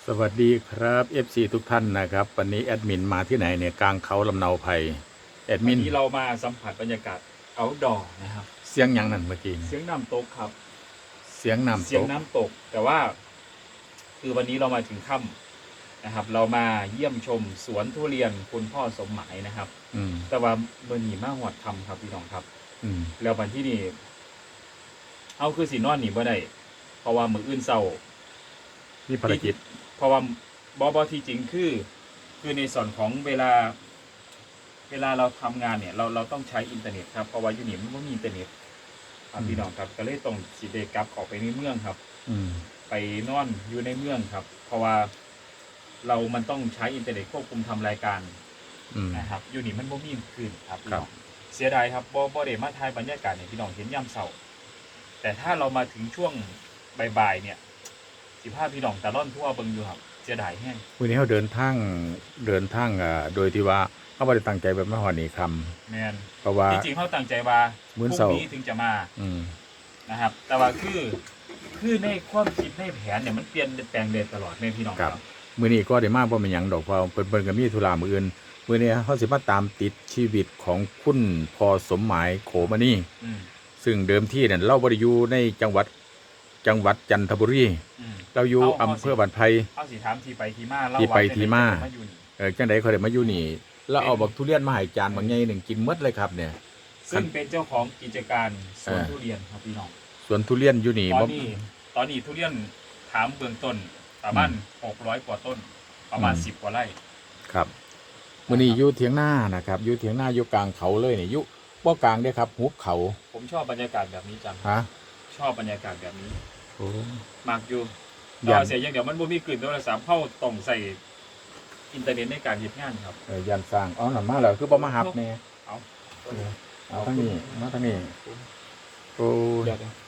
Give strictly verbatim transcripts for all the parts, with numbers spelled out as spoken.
สวัสดีครับ เอฟ ซี ทุกท่านนะครับวันนี้แอดมินมาที่ไหนเนี่ยกลางเขาลำเนาไพรแอดมิวันนนี้เรามาสัมผัสบรรยากาศ outdoor นะครับเสียงหยังนั่นเมื่อกี้เสียงน้ำตกครับเสียงน้ำเสียตงกน้ำตก แต่ว่า คือวันนี้เรามาถึงค่ำนะครับ เรามาเยี่ยมชมสวนทุเรียนคุณพ่อสมหมายนะครับอืมแต่ว่าเมื่อหนีมาหอดคำครับพี่น้องครับอืมแล้ววันที่นี่เอาคือสีนอนหนีบ่ได้เพราะว่ามืออื่นเศร้านี่ภารกิจเพราะว่าบอบอที่จริงคือ คือในส่วนของเวลา เวลาเราทำงานเนี่ย เราเราต้องใช้อินเทอร์เน็ตครับเพราะว่าอยู่นี่มันไม่มีอินเทอร์เน็ตครับพี่น้องครับก็เลยต้องสีเดกลับออกไปในเมืองครับอืมไปนอนอยู่ในเมืองครับ เพราะว่าเรามันต้องใช้อินเทอร์เน็ตควบคุมทำรายการอืมนะครับอยู่นี่มันไม่มีคืนครับพี่ครัน้บองเสียดายครับบอบอเดมาทายบรรยากาศเนี่ยพี่น้องเห็นย่ำเสาแต่ถ้าเรามาถึงช่วงบ่ายๆเนี่ยสิบห้าพี่น้องตะล่อนทั่วเบิงอยู่ครับเสียดายแห้งวันนี้เขาเดินทางเดินทางอ่าโดยที่ว่าเขาไม่ได้ตั้งใจแบบไม่หอนี่คแมนำเพราะว่าจริงๆเขาตั้งใจว่าพมื้รุ่อง เสาร์นี้ถึงจะมาอืมนะครับ แต่ว่าคือคือในความคิดในแผนเนี่ยมันเปลี่ยนแปลงเดนตลอดในพี่น้องคครัรับ บมื้อนี้ก็ได้มาบ่เป็นหยังดอกเพราะเพิ่นเพิ่นก็มีธุระมื้ออื่นมื้อนี้เขาสิมาตามติดชีวิตของคุณพ่อสมหมายโขมานี่อืมซึ่งเดิมทีเนี่ยเราบ่ได้อยู่ในจังหวัดจังหวัดจันทบุรีอืมเราอยู่เอาอำเอาเภสิอบ้านไผ่เอาสีถามทีไปทีมาเล่าที่ไปว่าที่มาเป็นไงอยู่นี่เออจังไดเขาได้มาอยู่นี่ แล้วเอาบักทุเรียนมาให้จานบางใหญ่หนึ่งกินหมดเลยครับเนี่ยซึ่งเป็นเจ้าของกิจการสวนเออทุเรียนครับพี่น้องสวนทุเรียนอยู่นี่ตอบ่นนี้ตอนนี้ทุเรียนถามเบื้องต้นประมาณหกร้อยกว่าต้น ประมาณอืมสิบกว่าไร่ครับมื้อนี้อยู่เถียงนานะครับอยู่เถียงนาอยู่กลางเขาเลยนี่อยู่บ่กลางเด้อครับหุบเขาผมชอบบรรยากาศแบบนี้จังฮะชอบบรรยากาศแบบนี้โอ้มากอยู่ยัแต่นเสียอย่างเดียวมันบ่มีกลิ่นโทรศัพท์เข้าต้องใส่อินเทอร์เน็ตในการเฮ็ดงานครับเออยันสร้างอ๋อนั่นมาแล้วคือบ่มาหับแน่เอาเอาทางนี้มาทางนี้โอ้ยเดี๋ยวเดี๋ยว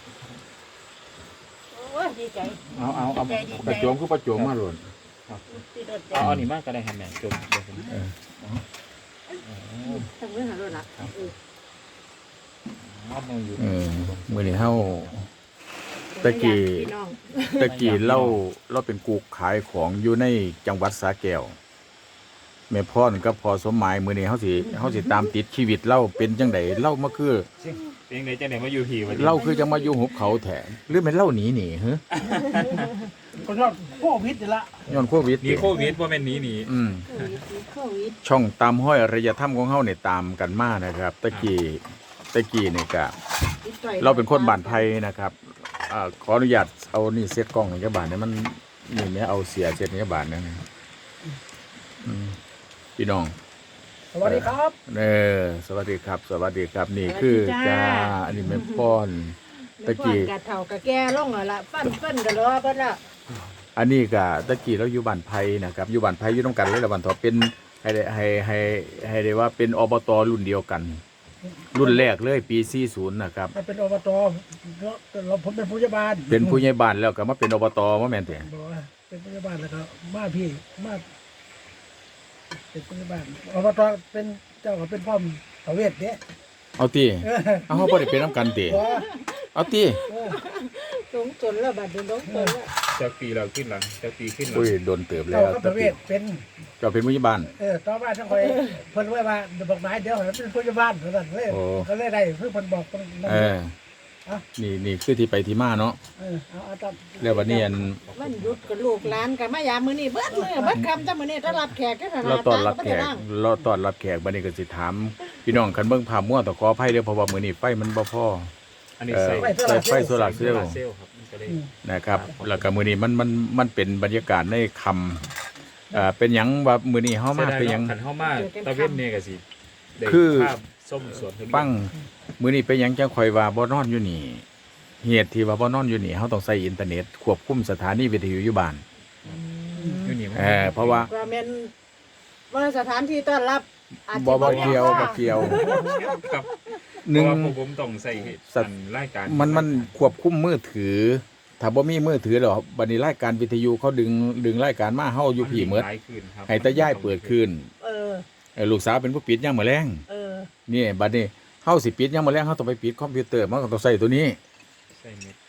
โอ้ยดีใจเอาเอาเอาดีใจดีใจประโจมคือประโจมมาโลดตีโดดใจเอาเอานี่มากก็ได้ครับแม่จบเดี๋ยวผมเออทำเรื่องหาด้วยละเออเอามืออยู่เออมื้อนี้เฮา ตะกี้พี่น้องตะกี้เราเราเป็นกูขายของอยู่ในจังหวัดสระแก้วแม่พ่อนกับพ่อสมหมายมื้อนี้เฮาสิเฮาสิตามติดชีวิตเราเป็นจังไดเล่ามาคือเป็นไงจังได๋มาอยู่ผีวันนี้เราคือจังมาอยู่หุบเขาแท้หรือแม่นเล่าหนีหนีฮะก็ยอดโควิดนี่ละย้อนโควิดหนีโควิดบ่แม่นหนีหนีอืมโควิดโควิดช่องตามห้อยอารยธรรมของเฮาเนี่ยตามกันมานะครับ ตะกี้ตะกี้นี่ก็เราเป็นคนบ้านไผ่นะครับอ่าขออนุญาตเอานี่เซตกล้องให้เจ้าบ้านเนี่ยมันนี่แม่เอาเสียเซตให้เจ้าบ้านนั่นนะอืมพี่น้องสวัสดีครับเออสวัสดีครับ สวัสดีครับนี่คือจ้าอันนี้แม่ป้อน ตะกี้ตะกี้กะเฒ่ากะแก่ลงแล้วล่ะฟันเพิ่นกะรอเพิ่นละอันนี้ก็ตะกี้เราอยู่บ้านไผ่นะครับอยู่บ้านไผ่อยู่ต้องกันเลยละวันทอเป็นให้ได้ให้ให้ให้ได้ว่าเป็นอบตรุ่นเดียวกัน รุ่นแรกเลยปีสี่สิบนะครับมันเป็นอบตเราผมเป็นผู้ใหญ่บ้านเป็นผู้ใหญ่บ้านแล้วก็มาเป็นอบตว่าแม่นแต่บอกว่าเป็นผู้ใหญ่บ้านแล้วก็มาพี่มาเป็นผู้ใหญ่บ้านอบตเป็นเจ้าก็เป็นพ่อมตะเวทเนี่ยเอาติเออเอาเฮาบ่ได้เป็นนํกันติบอกว่าเอาติเออสงสนแล้วบัดนี้สงสนแล้วจะปีเราขึ้นหลังจะปีขึ้นหลังอุ้ยโดนเติบแล้เจ้าว ก็ตะตะเวกี้ทเป็นเจ้าเป็นผู้ใหญ่บ้านเออต่อมาทั้งคอยเพิ่นไว้ว่าเดี๋ยวบอกนายเดี๋ยวให้เป็นผู้ใหญ่บ้านเท่านั้นเลยโอ้ก็เลยได้เพื่อเพิ่นบอกเพิ่นนั่นเออนี่นี่คือที่ไปที่มาเนาะเออเอาเอาตามแล้ววันนี้อันมันหยุดกับลูกหลานกันมายามมื้อนี้เบิดมื้อเบิดคำจ้ามื้อนี้ต้อนรับแขกที่สถานเราต้อนรับแขกต่างเราต้อนรับแขกบัดนี้ก็สิถามพี่น้องคันเบิ่งภาพมั่วต้องขออภัยเด้อเพราะว่ามื้อนี้ไฟมันบ่พออันนี้เออใส่ใส่ไฟโซลาร์เซลล์เซลล์ครับมันก็เลยอืมนะครับแล้วก็มื้อนี้มันมันมันเป็นบรรยากาศในคำเอ่อเป็นหยังว่ามื้อนี้เฮามาเป็นหยังขันเข้ามาตะเวนเนี่ยก็สิได้คือภาพส้มสวนทุเรียนฟังมื้อนี้เป็นหยังจังข่อยว่าบ่นอนอยู่นี่เหตุที่ว่าบ่นอนอยู่นี่เฮาต้องใช้อินเทอร์เน็ตควบคุมสถานีวิทยุอยู่บ้านอยู่นี่มันเออเพราะว่าๆว่าแม่นว่าสถานที่ต้อนรับอาจจะบ่บ่แม่นเกี่ยวว่าบ่เกี่ยวครับหนึ่งเพราะว่าพวกผมต้องใส่สัสัตนว์รายการมันมันควบคุมมือถือ ถ้าบ่มีมือถือแล้วบัดนี้รายการวิทยุเขาดึงดึงรายการมาเฮาอยู่พี่หมดหลายคืนครับให้ตาย่ายเปิดคืนเออเออลูกสาวเป็นผู้ปิดยามมื้อแลงเออนี่บัดนี้เฮาสิปิดยามมื้อแลงเฮาต้องไปปิดคอมพิวเตอร์มันก็ต้องใช้ตัวนี้ใส่เน็ต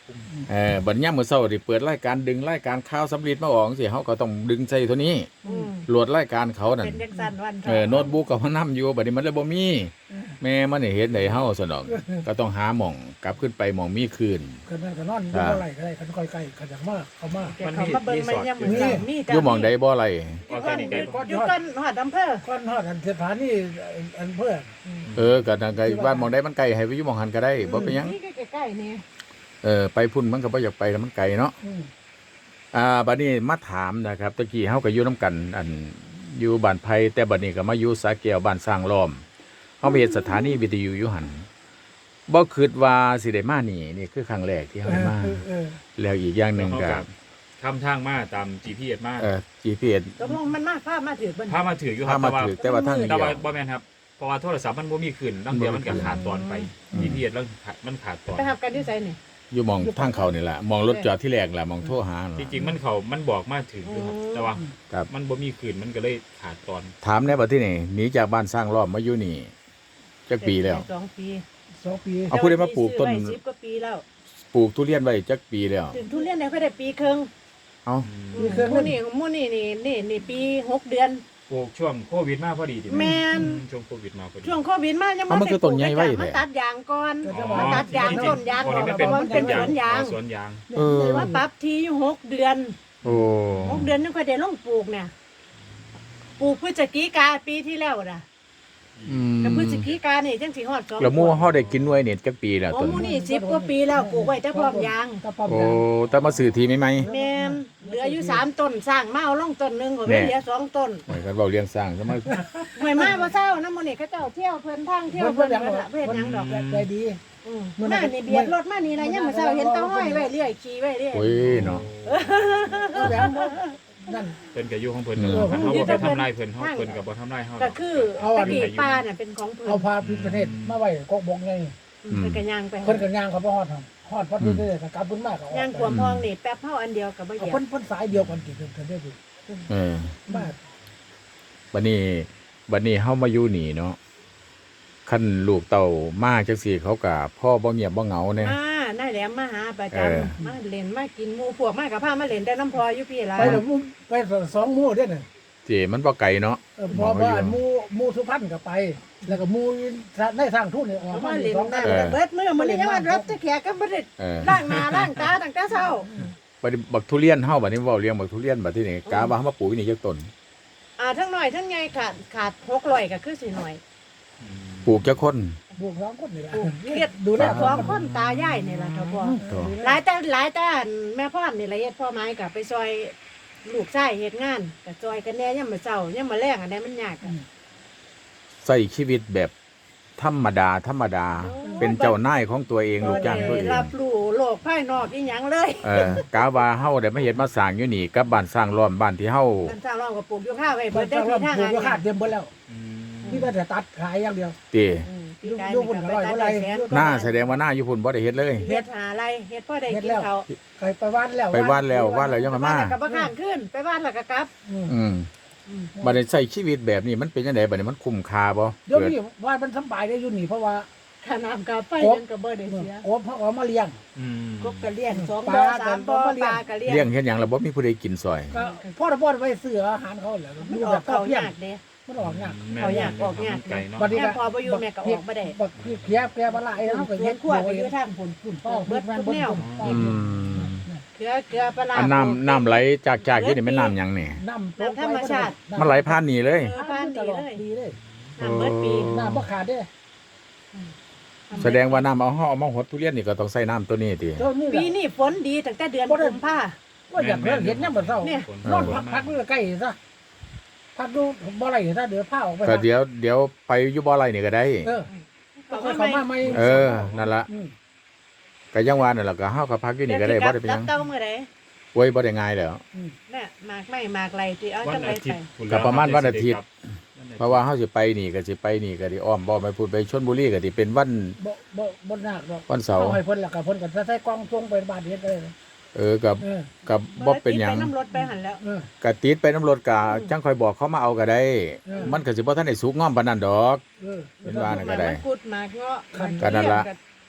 เออบัดยามมื้อเช้าที่เปิดรายการดึงรายการข่าวสำลีมาออกจังซี่เฮาก็ต้องดึงใส่ตัวนี้อืมโหลดรายการเขานั่นเป็นจังซั่นวันเออโน้ตบุ๊กก็มานํอยู่บัดนี้มันเลยบ่มีแม่มันนี่เฮ็ดได้เฮาซะดอกก็ต้องหาหม่องกลับขึ้นไปหม่องมีคืนกันนั่นก็นอนอยู่บ่ไรก็ได้กันค่อยใกล้กันอย่างมากเขามาเดี๋ยวเขามาเบิ่งมันยังมื้อเช้ามีแต่อยู่หม่องใดบ่ไรออร์แกนิกไก่บ่อยู่กันฮอดอำเภอก้อนฮอดอันสถานีอันเพื่อเออก็นั่นก็ว่าหม่องใดมันไกลให้ไปอยู่หม่องหันก็ได้บ่เป็นหยังนี่ใกล้ๆนี่เออไปพุ่นมันก็บ่อยากไปแล้วมันไกลเนาะอืมอ่าบัดนี้มาถามนะครับตะกี้เฮาก็อยู่นํกัน อันอยู่บ้านไผ่แต่บัดนี้ก็มาอยู่สาแก้วบ้านสร้างล้อมเฮาไปเฮ็ดสถานีวิทยุอยู่หั่นบ่คิดว่าสิได้มานี่นี่คือครั้งแรกที่เฮาได้มาเออเออแล้วอีกอย่างหนึงเขาก็กับทำทางมาตาม จี พี เอส มาเอ่อ จี พี เอสตกลงมันมาพามาถือเบิ่นพามาถืออยู่คพารับมาแต่ว่าถือแต่ว่าทางแต่เดียวว่าบ่แม่นครับเพราะว่าโทรศัพท์มันบ่มีขึ้นตั้งเดียวมันก็ขาดตอนไป จี พี เอส แล้วมันขาดตอนไปหับกันอยู่ไสนี่อยู่หมองทางเขานี่แหละหมองรถจอดที่แรกแหละหมองโทรหาจริงๆมันเขามันบอกมาถึงอยู่ครับแต่ว่าครับมันบ่มีขึ้นมันก็เลยขาดตอนถามแน่บัดที่นี่หนีจากบ้านสร้างล้อมมาอยู่นี่จักปีแล้วสองปีสองปีเอาผู้ใดมาปลูกต้นซื้อไว้สิบกว่าปีแล้วปลูกทุเรียนไว้จักปีแล้วถึงทุเรียนได้ค่อยได้ปีครึ่งเอ้าหมู่นี่หมู่นี่นี่นี่นี่ปีหกเดือนปลูกช่วงโควิดมาพอดีดิแม่นอืช่วงโควิดมาพอดีช่วงโควิดมายังเอามันคือต้นใหญ่ไว้มันแท้ตัดยางก่อนอ๋อมันตัดยางต้นยางอ๋อก่อนนี่เพราะว่ามันเป็นสวนยางอ๋อสวนยางเออเลยว่าปรับทีอยู่หกเดือนโอ้หกเดือนนึงค่อยได้ลงปลูกเนี่ยปลูกพฤศจิกาปีที่แล้วน่ะอืมกับพฤศจิกานี่จังสิฮอดสองแล้วหมู่เฮาได้กินหน่วยนี่จักปีแล้วโอ้ต้นหมู่นี่สิบกว่าปีแล้วปลูกไว้แต่พร้อมยางถ้าพร้อมโอ้ยางแต่มาซื้อทีใหม่แม่นเหลืออยู่สามต้นสร้างมาเอาลงต้นหนึงก็แน่เหลือสองต้นๆเหมือนกันเว้าเลี้ยงสร้างซะมาหวยมาบ่เศร้านะมื้อนี้เขาเจ้าเที่ยวเพิ่นทางเที่ยวเพื่เพิ่อนนเพื่อนเพิ่นละเพิ่นหยังดอกใจดีอืมมานี่เบียดรถมานี่ละยังมื้อเช้าเห็นเต้าห้อยไว้เรื่อยขี่ไว้เรื่อยโอ้ยเนาะเอาแบบว่านั่นเพิ่นก็อยู่ของเพิ่นเออเฮาบ่ไปทำลายเพิ่นเฮาเพิ่นก็บ่ทำลายเฮาก็คือเอาอัตะนกี้ป้าน่ะเป็นของเพิ่นเอาพาพิษประเทศมาไว้กกบงไงอืมเพิ่นก็ย่างไปเพิ่นกันย่างเขาบ่ฮอดทำฮอดพอดีเลยก็กลับขึ้นมาก็ออกย่างขวมพองนี่แป๊บเฮาอันเดียวก็บ่เหเอายียบเพิ่นเพิ่นสายเดียวกันกี่เพิ่นได้ดิเออมาบัดนี้บัดนี้เฮามาอยู่นี่เนาะคันลูกเต่ามาจังซี่เขาก็พ่อบ่เงียบบ่เหงาแน่อ่านายแหลมมาหาประจำเออมาเล่นมากินหมู่พวกมากับพามาเล่นแต่น้ำพออยู่พี่ล่ะไปแล้วมู่ไปสองหมู่เด้อน่ะเจมันบ่ไกลเนาะเออพอว่าหมู่หมู่สุพรรณก็ไป แล้วก็หมู่ในทางทุ่นนี่ออกมามาเล่เล่นนสองน้ำกันก็เบิดมื้อมื้อนี้ยังว่ารับตะแขกก็บ่ได้เออล้างหน้าล้างตาตั้งแต่เช้าบัดนี้บักทุเรียนเฮาบัดนี้เว้าเลี้ยงบักทุเรียนบัดที่นี่กาว่าเฮามาปลูกอยู่นี่จักต้นอ่าทั้งน้อยทั้งใหญ่ขาดขาดหกร้อยก็คือสิหน่อยปลูกจักคนบวกสองคนนี่แหละปลูกเฮ็ดดูแลแต่สองคนตายายนี่ล่ะเท่าพอตัวหลายแต่หลายแต่แม่พ่อนี่ละเฮ็ดพ่อไม้กับไปซอยลูกชายเฮ็ดงานกับซอยกันแหน่ยามมื้อเช้ายามมื้อแลงอันใดมันยากอะใช้ชีวิตแบบธรรมดาธรรมดา เป็นเจ้านายของตัวเองลูกจ้างตัวเองรับรู้โลกภายนอกอีหยังเลยเออกาว่าเฮาได้มาเฮ็ดมาสร้างอยู่นี่กับบ้านสร้างล้อมบ้านที่เฮาท่านสร้างเราก็ปลูกอยู่ข้าวไว้เพิ่เบินดได้ได้ที่ที่ทาทาง งานงานเดียวขาดเตรียมเบิดแล้วอืมนี่ก็แต่ตัดขายอย่างเดียวติอืมอยู่ปีกายอยู่นี่บนก็ร้อยไปบ่ตัดไรได้แสนหน้าแสดงว่าหน้าอยู่พุ่นบ่ได้เฮ็ดเลยเฮ็ดหาอะไรเฮ็ดพ่อได้เฮ็ดกินแล้วข้าวไปไปบ้านแล้วไปบ้านแล้วบ้านแล้วยังไปมาบ้านมาแล้วก็บ่ข้างขึ้นไปบ้านแล้วก็กลับอืมอืมอืมบัดนี้ใช้ชีวิตแบบนี้มันเป็นจังไดบัดนี้มันคุ้มค่าบ่เดี๋ยวเกิดนี้ว่ามันสบายได้อยู่นี่เพราะว่าค่าน้ำค่าไฟยังก็บ่ได้เสียโอ้พ่อเอามาเลี้ยงอืมกบก็เลี้ยงสองปบ่อลาสามบ่อก็เลี้ปยงลาก็เลี้ยเลี้ยงงเฮ็ดหยังแล้วบ่มีผู้ใดกินซอยก็พ่อตะพ่อไปซื้ออาหารเขาแหละมันดูอแบอกบก็เขาเพียงยากเด้มันออกยากแม่เขาอยากออกยากไก่เนาะบัดนี้แม่พอบ่อยู่แม่ก็ออกบ่ได้บักเขียแกบละไอ้แล้วก็เฮ็เฮ็ดดขวดไปอยู่ทางผลฝุ่นป้อเบิดแม่นเบิดอืมเกลือเกลือปลาร้าอันน้ำน้ำไหลจากจากอยู่นี่แม่นน้ำหยังนี่น้ำน้ำธรรมชาติมันไหลผ่านนี่เลยเออบ้านตดีลอดเลยดีเลยน้ำเบิดปีน้ำบ่ขาดเด้แสดงว่าน้ำเอาเฮาเอามาหดทุเรียนนี่ก็ต้องใส่น้ำตัวนี้ติเจ้านี่ปีนี้ฝนดีตั้งแต่เดือนกุมภาว่าอยากเห็นเห็นยามมื้อเช้าเนี่ยนอนพักพักอยู่ใกล้ซะพักดูบ่ไรซะเดี๋ยวพาออกไปก็เดี๋ยวเดี๋ยวไปอยู่บ่อไรนี่ก็ได้เออค่อยเข้ามาใหม่เออนั่นล่ะอืมก็ยังว่านั่นล่ะก็เฮาก็พักอยู่นี่ก็ได้บ่ได้เป็นหยังเต้าเมื่อใดโอ้ยบ่ได้ง่ายแล้วน่ะหมากไม่หมากไรที่เอาวันจังไรอาทิไปตย์พุ่นก็ประมาณวันอาทิตย์วันอาทิตย์เพราะว่าเฮาสิไปนี่ก็สิไปนี่ก็สิอ้อมบ่ไปพูดไปชลบุรีก็สิเป็นวันบ่บ่บ่ยากดอกวันเสาร์เอาให้เพิ่นแล้วก็เพิ่นก็ใส่กล่องส่งไปบ้านเฮ็ดได้เลยเออกับเออกับบ่เป็นหยังไปน้ำรถไปหันแล้วเออก็ติดไปน้ำรถก็จังค่อยบอกเขามาเอาก็ได้เออมันก็สิบ่ทันได้สุกงอมปานนั้นดอกเออเป็นว่าน่ะก็ได้หมากกุดหมากเงาะครับก็นั่นล่ะห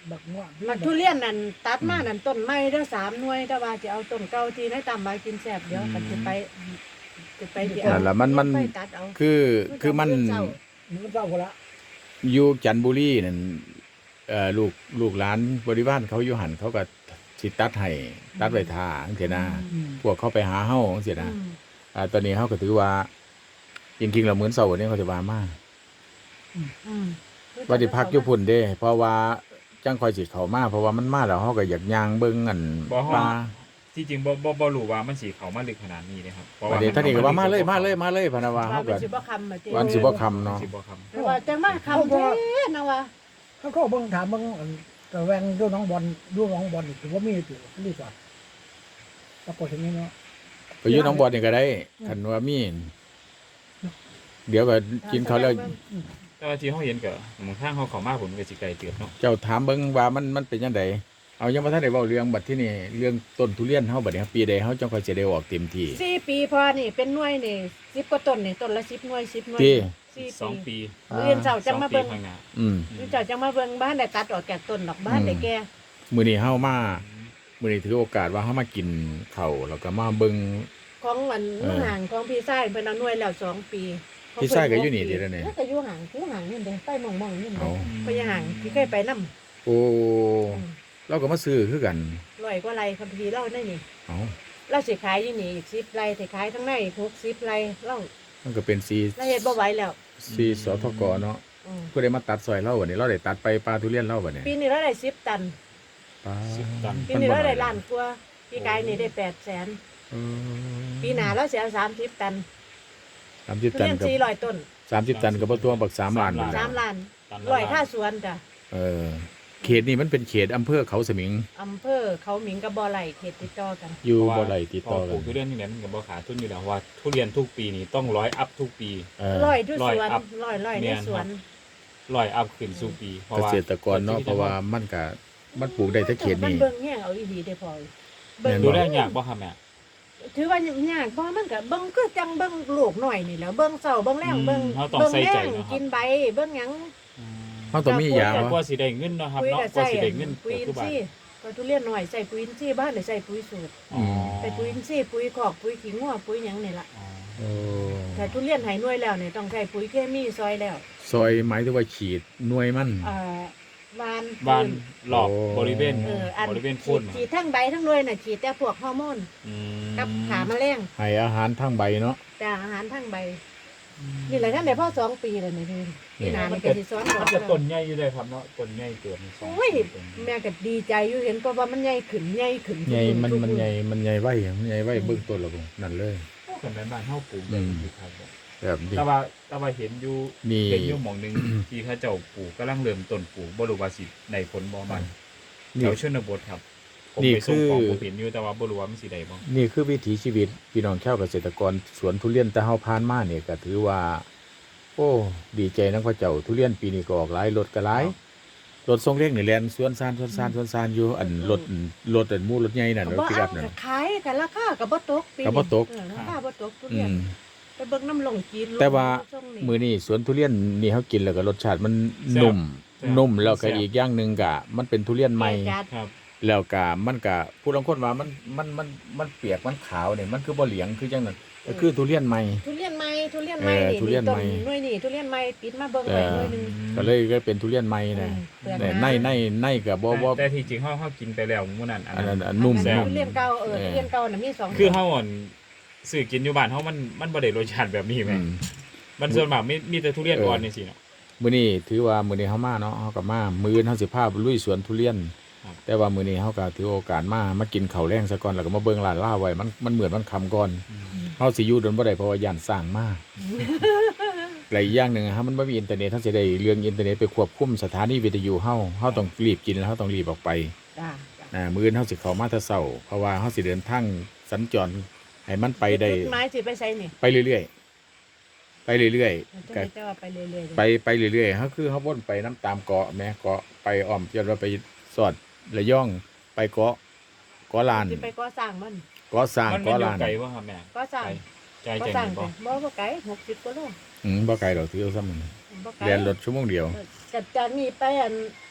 บักม่วงมันทุเรียนนั่นตัดมานั่นต้นไม้เด้อสามหน่วยแต่ว่าจะเอาต้นเก่าที่ให้ตามมากินแซ่บเดี๋ยวกันจะไปจะไปที่นั่นล่ะมันมันไปตัดเอาคือคือมันเจ้ามันเศร้าคนละอยู่จันทบุรีนั่นเอ่อลูกลูกหลานบริวารเขาอยู่หันเขาก็สิตัดให้ตัดไว้ท่าจังซี่นะอืมพวกเขาไปหาเฮาจังซี่นะอืมอ่าตอนนี้เฮาก็ถือว่าจริงๆแล้วมื้อเช้านี้เขาสิว่ามาอืมว่าสิพักอยู่พุ่นเด้ เพราะว่าจังค่อยสิเข้ามาเพราะว่ามันมาแล้วเฮาก็อยากย่างเบิ่งอันบ่ฮอดปลาที่จริงบ่บ่บ่รู้ว่ามันสิเข้ามาลึกขนาดนี้นะครับเพราะว่าเดี๋ยวท่านนี่ก็ว่ามาเลยมาเลยมาเลยพะนะว่าว่าเฮาเป็ก็นสิบ่คำมาเจ้วันสิบ่ค่ำเนาะสิบ่คำแต่ว่าจังมาคำเด้นะว่าเขาก็เบิ่งถามเบิ่งอันตะแวงดูน้องบอลดูน้องบอลนี่ถือว่ามีอยู่รีสอร์ทปรากฏอย่างนี้เนาะไปอยู่หน้องบอดนี่ก็ได้คันว่ามีเดี๋ยวก็กินข้าวแล้วแต่ว่าที่เฮาเห็นก็หมองทางเฮาเข้ามาผมก็สิไกลเติบเนาะเจ้าถามเบิ่งว่ามันมันเป็นจังไดเอายังบ่ทันได้เว้าเรื่องบัดที่นี่เรื่องต้นทุเรียนเฮาบัดนี้ครับปีใดเฮาจังค่อยสิได้ออกเต็มที่สี่ปีพอนี่เป็นหน่วยนี่สิบกว่าต้นนี่ต้นละสิบหน่วยสิบหน่วยที่สี่สองปีปีเรียนเสาจังมาสอปีเบิ่งข้างหน้าอืมเรียนเสาจังมาเบิ่งบ้านได้ตัดออกจากต้นดอกบ้านได้แก่มื้อนี้เฮามามื้อนี้ถือโอกาสว่าเฮามากินข้าวแล้วก็มาเบิ่งของอันเออลูกห่างของพี่ชายเพิ่นเอาหน่วยแล้วสองปีพี่ชายก็อยู่นี่เดี๋ยวนี้ก็อยู่ห่างอยู่ห่างนี่เด้ไปมองๆนี่เอาเด้ไปห่างพี่เคยไปนำโอ้เราก็มาซื้อคือกันร้อยกว่าไร่คัมภีร์เล่าได้นี่เอาเราสิขายอยู่นี่อีกสิบไร่สิขายทั้งในอีกหกสิบไร่เล่ามันก็เป็นซีเราเฮ็ดบ่ไหวแล้วซีสทกเนาะอืมผู้ใดมาตัดซอยเราบัดนี้เราได้ตัดไปปลาทุเรียนเราบัดนี้ปีนี้เราได้สิบตันปลาสิบตันปีนี้เราได้ล้านกว่าปีกายนี่ได้แปดแสนเออปีหน้าเราสิเอาสามสิบตันสามสิบทุตันเรียนกับสี่ร้อยต้นสามสิบตันกับบ่ตัวบักสามล้านนี่แหสาละมล้านตันร้อยละค่าสวนจ้ะเออเขตนี้มันเป็นเขตอำเภอเขาสมิงอำเภอเขาหมิงกับบ่อไหลเขตติดต่อกันอยู่เพราะบ่ว่าไหลติดต่อพกัปลูนกทุเรียนที่ไหนมันก็บ่ขาดทุนอยู่แล้วเพราะว่าทุเรียนทุกปีนี่ต้องร้อยอัพทุกปีเออร้อยทุกร้อยสวนอัพร้อยร้อยในแม่นสวนครับ ร้อยอัพขึ้นสู่ปีเพราะเกว่าษตรกรเนาะเพราะว่ามันก็มันปลูกได้แต่เขตมันนี้เบิ่งแย่งเอาอีหลีได้พอเบิ่งแม่นดูบ่ได้ยากบ่ครับแม่ถือว่ายากเพราะมันก็เบิ่งคือจังเบิ่งลูกหน่อยนี่แหล้วเบิ่งเช้าเบิ่งแรงเบิ่งเราต้องเบิ่งใส่แรใจงเนาะครักิบนใบเบิ่งหยังเฮาต้องมียาแต่วะกว่าสิได้เงินเนาะครับปุ๋ยเนาะก็กว่าใส่สิได้เงินปุ๋ยก็อิคือน บาททรีย์ก็ทุเรียนหน่อยใส่ปุ๋ยอินทรีย์บ้านได้ใส่ปุ๋ยสูตรอ๋อใส่ปุ๋ยอินทรีย์ปุ๋ยคอกปุ๋ยขี้งัวปุ๋ยหยังนี่ล่ะอ๋อโอ้แต่ทุเรียนไหหน่วยแล้วเนี่ยต้องใช้ปุ๋ยเคมีซอยแล้วซอยหมายถึงว่าฉีดหน่วยมันเอ่อวานบ้านพื้หลอกโอ้บริเวณเอออันบริเวณฉีโพ่นดฉีดทั้งใบทั้งหน่วยน่ะฉีดแต่พวกฮอร์โมนอืมกับขาแมลงให้อาหารทั้งใบเนาะแต่อาหารทั้งใบนี่แหละท่านได้พ่อสองปีแล้วนี่พี่พี่นานี่ก็สิสอนมันจะต้นใหญ่อยู่เลยครับเนาะต้นใหญ่เกินสองโอ้ยต้นแม่ก็ดีใจอยู่เห็นเพราะว่ามันใหญ่ขึ้นใหญ่ขึ้นใหญ่มันทุกมันๆใหญ่มันใหญ่ไว้มันใหญ่ไว้เบื้องต้นแล้วก็นั่นเลยคนในบ้านเฮาปลูกอืได้มอยู่ครับผมแบบนี้แต่ว่าแต่ว่าเห็นอยู่นี่เห็นอยู่หม่องหนึง ที่เขาเจ้าปลูกกำลังเริ่มต้นปลูกบ่รู้ว่าสิได้ผลบ่มันแถนี่วชนบทครับผมนี่ไปส่งของคือผมเห็นอยู่แต่ว่าบ่รู้ว่ามันสิได้บ่นี่คือวิถีชีวิตพี่น้องชาวเกษตรกรสวนทุเรียนแต่เฮาผ่านมาเนี่ยก็ถือว่า โอ้ดีใจนักพระเจ้าทุเรียนปีนี้ก็ออกหลายรถก็หลายรถทรงเล็กนี่แล่นสวนซานสวนซานสวนซานอยู่อันรถรถอันหมู่รถใหญ่นั่นรถบ่ปิกอัอัพพนั่นก็ขายกันราคาก็บ่ตกปีก็บ่ตกเออราคาบ่ตกทุอืเรียนมไปเบิ่งน้ำลงจีนแต่ว่าลงนี่มื้อนี้สวนทุเรียนนี่เฮากินแล้วก็รสชาติมันนุ่มนุ่มแล้วก็อีกอย่างหนึงก็มันเป็นทุเรียนใหม่แก่จัดครับแล้วก็มันก็ผู้ลางคนว่ามันมันมันมันเปียกมันขาวเนี่ยมันคือบ่เหลียงคือจังนั้นก็คือทุเรียนใหม่ทุเรียนใหม่ทุเรียนใหม่เออนี่ทุเรียนต้ใหม่หน่วยนี่ทุเรียนใหม่ปิดมาเบิ่งไว้หน่วยหนึงก็เลยก็เป็นทุเรียนใหม่นะเปลือกแต่หาในในในก็บ่บ่แต่ที่จริงเฮาเฮากินไปแล้วมื้อนั้นอันอันนั้นั้น นอันนุ่มอันนั้นนุ่มทุเรียนเก่าเออเออทุเรียนเก่าน่ะมีสองคือเฮาอ่อนซื้อกินอยู่บ้านเฮามันมันบ่ได้รสชาติแบบนี้แหมอืมมันส่วนมากมีมีแต่ทุเรียนเอออ่อ่อนจังซี่เนาะมื้อนี้ถือว่ามื้อนี้เฮามาเนาะเฮาก็มามื้ออื่นเฮาสิพาไปลุยสวนทุเรียนครับแต่ว่ามื้อนี้เฮาก็ถือโอกาสมามากินข้าวแรงซะก่อนแล้วก็มาเบิ่งร้านลาวไว้มันมันเหมือนมันค่ำก่อนเฮาสิอยู่ดนบ่ได้เพราะว่าย่านสร้างมาหลายอย่างหนึงฮะมันบ่มีอินเทอร์เน็ตเฮาสิได้เรื่องอินเทอร์เน็ตไปควบคุมสถานีวิทยุเฮาเฮาต้องรีบกินแล้วเฮาต้องรีบออกไปจ้าอ่ามื้ออื่นเฮาสิเข้ามาแต่เช้าเพราะว่าเฮาสิเดินทางสัญจรให้มันไปได้จุดหมายสิไปไสนี่ไปเรื่อยๆ ไปเรื่อยจะๆก็ได้แต่ว่าไปเรื่อยๆไปไปเรื่อยๆเขาคือเขาวนไปน้ำตามเกาะแม่เกาะไปอ้อมจนว่าไปสอดระย่องไปเกาะเกาะลานสิไปก่อสร้างมันเกาะสร้างมันมันเกาะอยู่ลานไกลบ่ครับแม่ก่อสร้างใจก่อใจสร้างบ่ไปบ่บ่ไกลหกสิบกว่าโลอืมบ่ไกลดอกถือเอาซ้ำมันบ่ไกลเรียนรถชั่วโมงเดียวจัดจากนี้ไปอัน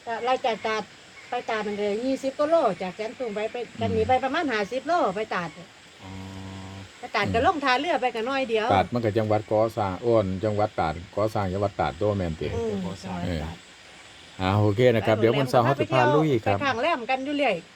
ก็ไล่จากตาดไปตาดมันเลยยี่สิบกิโลจากแสนตุงไปไปกันหนีไปประมาณห้าสิบโลไปตาดอ๋อไปตาดก็ลงทาเรือไปกันน้อยเดียวตาดมันก็จังหวัดก่อสร้างอ้วนจังหวัดตาดก่อสร้างจังหวัดตาดตัวแม่นติอืมจังหวัดตราดอ่าโอเคนะครับเดี๋ยววันเสาร์เฮาสิพาลุยครับไปข้างแรมกันอยู่เรื่อย